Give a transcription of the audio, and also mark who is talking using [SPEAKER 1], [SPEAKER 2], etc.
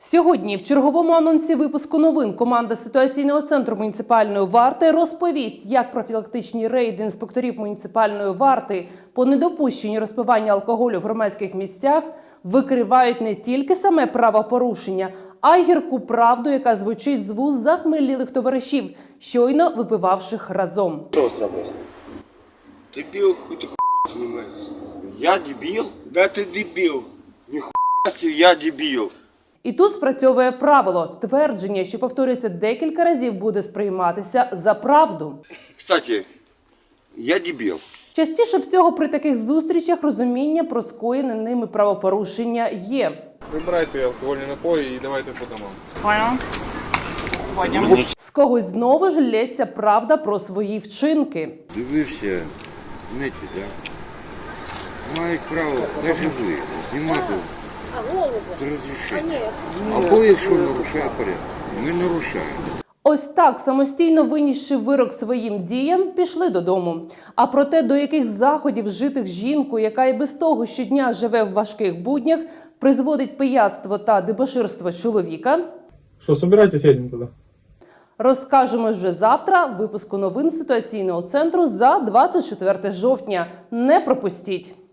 [SPEAKER 1] Сьогодні в черговому анонсі випуску новин команда ситуаційного центру муніципальної варти розповість, як профілактичні рейди інспекторів муніципальної варти по недопущенню розпивання алкоголю в громадських місцях викривають не тільки саме правопорушення, а й гірку правду, яка звучить з вуст захмелілих товаришів, щойно випивавших разом.
[SPEAKER 2] Что у вас трапилось?
[SPEAKER 3] Дебил, какой-то хуйней занимается.
[SPEAKER 2] Я дебил?
[SPEAKER 3] Да ты дебил.
[SPEAKER 2] Нихуя себе, я дебил.
[SPEAKER 1] І тут спрацьовує правило. Твердження, що повторюється декілька разів, буде сприйматися за правду.
[SPEAKER 2] Кстати, я дебил.
[SPEAKER 1] Частіше всього при таких зустрічах розуміння про скоєне ними правопорушення є.
[SPEAKER 4] Вибирайте алкогольні напої і давайте по домам.
[SPEAKER 1] З когось знову ж лється правда про свої вчинки.
[SPEAKER 5] Дивився в неті, так? Мають право навіть ви знімати з розрішення. Або якщо нарушає порядок, ми нарушаємо.
[SPEAKER 1] Ось так, самостійно винісши вирок своїм діям, пішли додому. А про те, до яких заходів вжитих жінкою, яка і без того щодня живе в важких буднях, призводить пияцтво та дебоширство чоловіка,
[SPEAKER 6] Что, собирайтесь, едем туда.
[SPEAKER 1] розкажемо вже завтра в випуску новин ситуаційного центру за 24 жовтня. Не пропустіть!